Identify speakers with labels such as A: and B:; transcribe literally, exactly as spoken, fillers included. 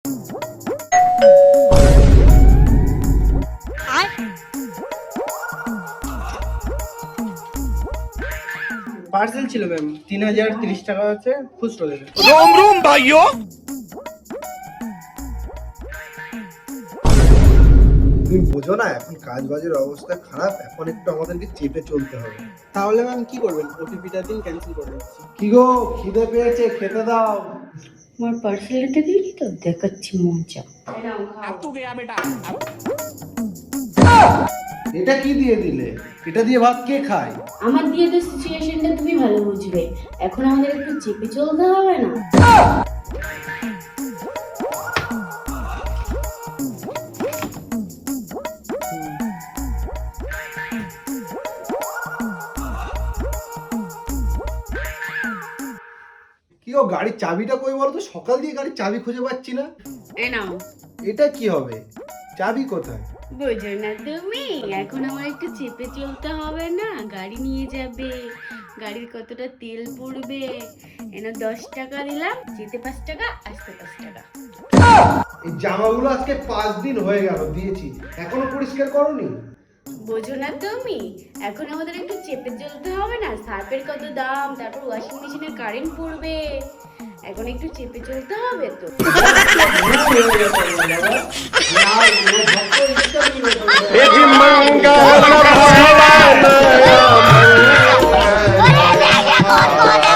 A: Parcel ছিল ma'am, তিন হাজার তিরিশ টাকা আছে, খুচরো দেবে।
B: रोम रोम भाइयों।
C: তুমি বোঝো না এখন কাজ বাজের অবস্থা খারাপ, এখন একটু আমাদেরকে চেপে চলতে হবে।
A: তাহলে ম্যাম কি করবেন, ওটিপিটা দিন, ক্যান্সেল করে দিচ্ছি।
C: কি গো, খিদে পেয়েছে, খেতে দাও।
D: আমার পার্সেলটা দিলি তো, দেখাচ্ছি মজা।
B: अब तू गया बेटा।
C: এটা কি দিয়ে দিলে? এটা দিয়ে ভাত কে খায়?
D: আমার দিয়ে তো সিচুয়েশনটা তুমি ভালো বুঝবে। এখন আমাদের একটু চেপে চলতে হবে না?
C: কি গো, গাড়ির চাবিটা কই বলো তো? সকাল দিয়ে গাড়ির চাবি খুঁজে পাচ্ছি না।
D: এ নাও।
C: এটা কি হবে? চাবি কোথায়?
D: বোঝো না তুমি? এখন আমার একটু চেপে চলতে হবে না? গাড়ি নিয়ে যাবে, গাড়ির কতটা তেল পড়বে। এনে দশ টাকা দিলাম, যেতে পাঁচ টাকা, আসতে পাঁচ টাকা।
C: এই জামাগুলো আজকে পাঁচ দিন হয়ে গেল দিয়েছি, এখনো পরিষ্কার করোনি?
D: বোঝো না তুমি? এখন আমাদের একটু চেপে চলতে হবে না? সার্ফের কত দাম, তারপর ওয়াশিং মেশিনের কারেন্ট পড়বে। এখন একটু চেপে চলতে হবে তো।